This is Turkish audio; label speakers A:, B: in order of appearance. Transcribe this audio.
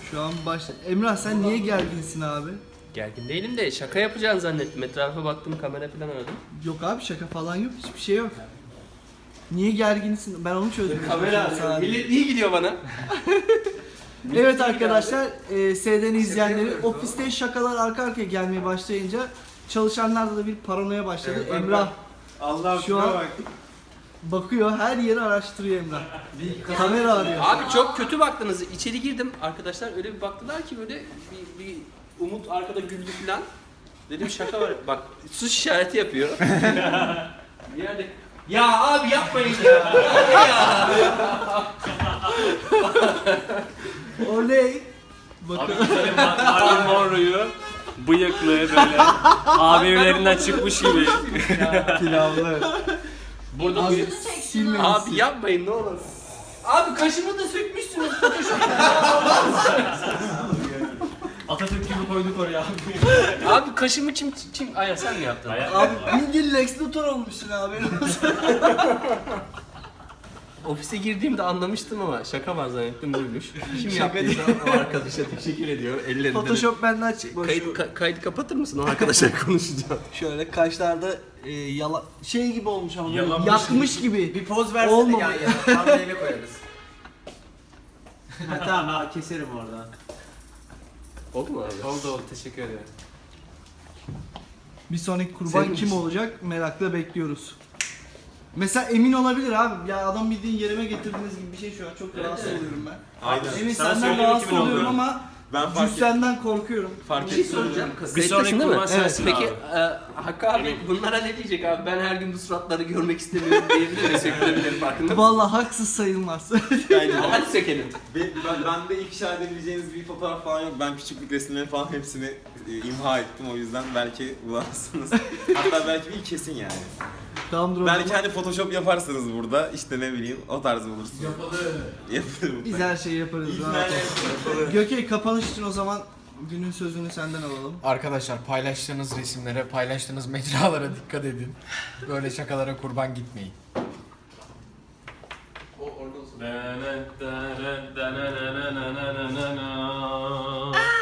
A: Şu an Emrah sen niye gerginsin abi?
B: Gergin değilim de şaka yapacağını zannettim. Etrafa baktım, kamera falan aradım.
A: Yok abi şaka falan yok. Hiçbir şey yok. Niye gerginsin? Ben onu çözdüm.
B: Kamera millet iyi gidiyor bana.
A: Evet arkadaşlar, SD'nin izleyenleri ofiste şakalar arka arkaya gelmeye başlayınca çalışanlarda da bir paranoya başladı.
C: Evet, bak,
A: Emrah
C: Allah
A: şu an bakıyor, her yeri araştırıyor Emrah. Kamera arıyor.
B: Abi çok kötü baktınız. İçeri girdim. Arkadaşlar öyle bir baktılar ki böyle bir Umut arkada güldü falan. Dedim şaka var. Bak sus işareti yapıyor. Bir yerde ya abi yapmayın ya.
A: Oley. Bakın.
D: Marilyn Monroe'yu bıyıklı böyle abi evlerinden çıkmış gibi.
C: pilavlı.
B: Burada
A: Abi
B: bir...
A: silmeyin.
B: Abi yapmayın ne olur. Abi kaşımı da sökmüşsünüz.
D: Atatürk gibi koyduk oraya.
B: Abi kaşımı çim... Aya sen mi yaptın?
A: Abi bildiğin Lex Luthor olmuşsun abi.
B: Ofise girdiğimde anlamıştım ama şaka var zannettim buymuş. Kim
A: Şaka
B: yaptıysa o arkadaşa teşekkür ediyor. Ellerinden.
A: Photoshop benden çıkmış.
B: Kaydı kapatır mısın? O arkadaşla konuşacağım.
A: Şöyle kaşlarda şey gibi olmuş ama böyle
D: Yalamış.
A: yakmış gibi.
C: Bir poz versene
A: Olmamış.
C: yan yana. Thumbnail'e koyarız. Ha, tamam ha, keserim oradan.
B: Oldu mu abi?
C: Oldu teşekkür ederim.
A: Bir sonraki kurban
B: Senin
A: kim
B: misin?
A: olacak merakla bekliyoruz. Mesela Emin olabilir abi. Ya adam bildiğin yerime getirdiğiniz gibi bir şey şu an. Çok rahatsız oluyorum ben.
C: Aynen.
A: Emin
D: Sana
A: senden
D: söyleyeyim
A: rahatsız
D: kimin
A: oluyorum
D: olduğunu.
A: ama
C: Ben fark
A: cüssenden korkuyorum.
B: Bir şey soracağım.
D: Bir
B: Kayıttasın
D: sonraki
B: değil mi?
D: kurban sensin
B: Peki
D: abi.
B: Hakkı abi bunlara ne diyecek abi? Ben her gün bu suratları görmek istemiyorum diyebilir mi? Sökülebilir farkında mısın?
A: Vallahi haksız sayılmaz.
B: Hadi sökelim.
C: Bende ifşa edebileceğiniz bir fotoğraf falan yok. Ben küçüklük resimleri falan hepsini imha ettim, o yüzden belki bularsınız. Hatta belki bir kesin yani.
A: Tamamdır o
C: Belki
A: zaman.
C: hani Photoshop yaparsınız burada, işte ne bileyim o tarz bulursunuz. Yaparım.
A: Biz her şeyi yaparız.
C: İyi
A: rahat
C: günler.
A: ol. Gökey kapanış için o zaman günün sözünü senden alalım.
E: Arkadaşlar paylaştığınız resimlere, paylaştığınız mecralara dikkat edin. Böyle şakalara kurban gitmeyin.
B: O orada olsun.